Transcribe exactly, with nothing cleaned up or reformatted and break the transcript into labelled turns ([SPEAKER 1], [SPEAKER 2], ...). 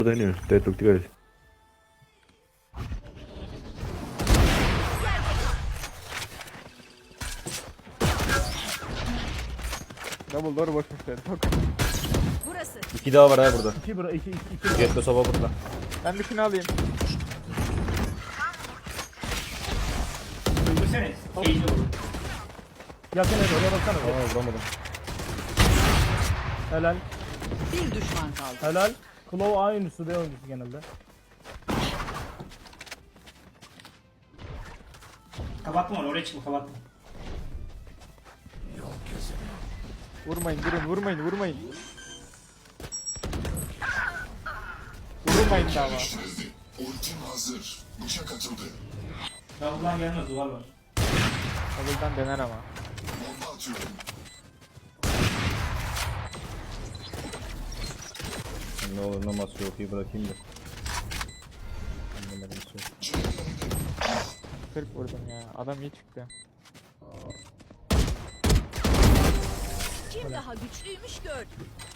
[SPEAKER 1] Deniyor. Deadlock dikkat et.
[SPEAKER 2] Double door boşmuş dedi. Çok.
[SPEAKER 3] Burası.
[SPEAKER 4] İki daha var ha burada.
[SPEAKER 5] İki bura iki iki iki.
[SPEAKER 4] Jet'le soba burada.
[SPEAKER 2] Ben bir şunu alayım.
[SPEAKER 6] Öldürsene. Eğil olur.
[SPEAKER 5] Yakın et oraya baksana.
[SPEAKER 4] Aa vuramadım.
[SPEAKER 5] Helal.
[SPEAKER 3] Bir düşman kaldı.
[SPEAKER 5] Helal. Claw A oyuncusu B oyuncusu genelde.
[SPEAKER 6] Kapatma onu, oraya çıkma, kapatma.
[SPEAKER 2] Vurmayın durun vurmayın vurmayın. Vurmayın daha var.
[SPEAKER 7] Ultim hazır. Bıçak atıldı.
[SPEAKER 6] Ya buradan gelmez, duvar var.
[SPEAKER 2] Double'dan dener ama.
[SPEAKER 7] Bomba atıyorum.
[SPEAKER 4] Ne olur ne mas yok iyi bırakayım da. Anlamadım şey.
[SPEAKER 2] kırk vurdum ya. Adam iyi çıktı.
[SPEAKER 3] Kim daha güçlüymüş gör.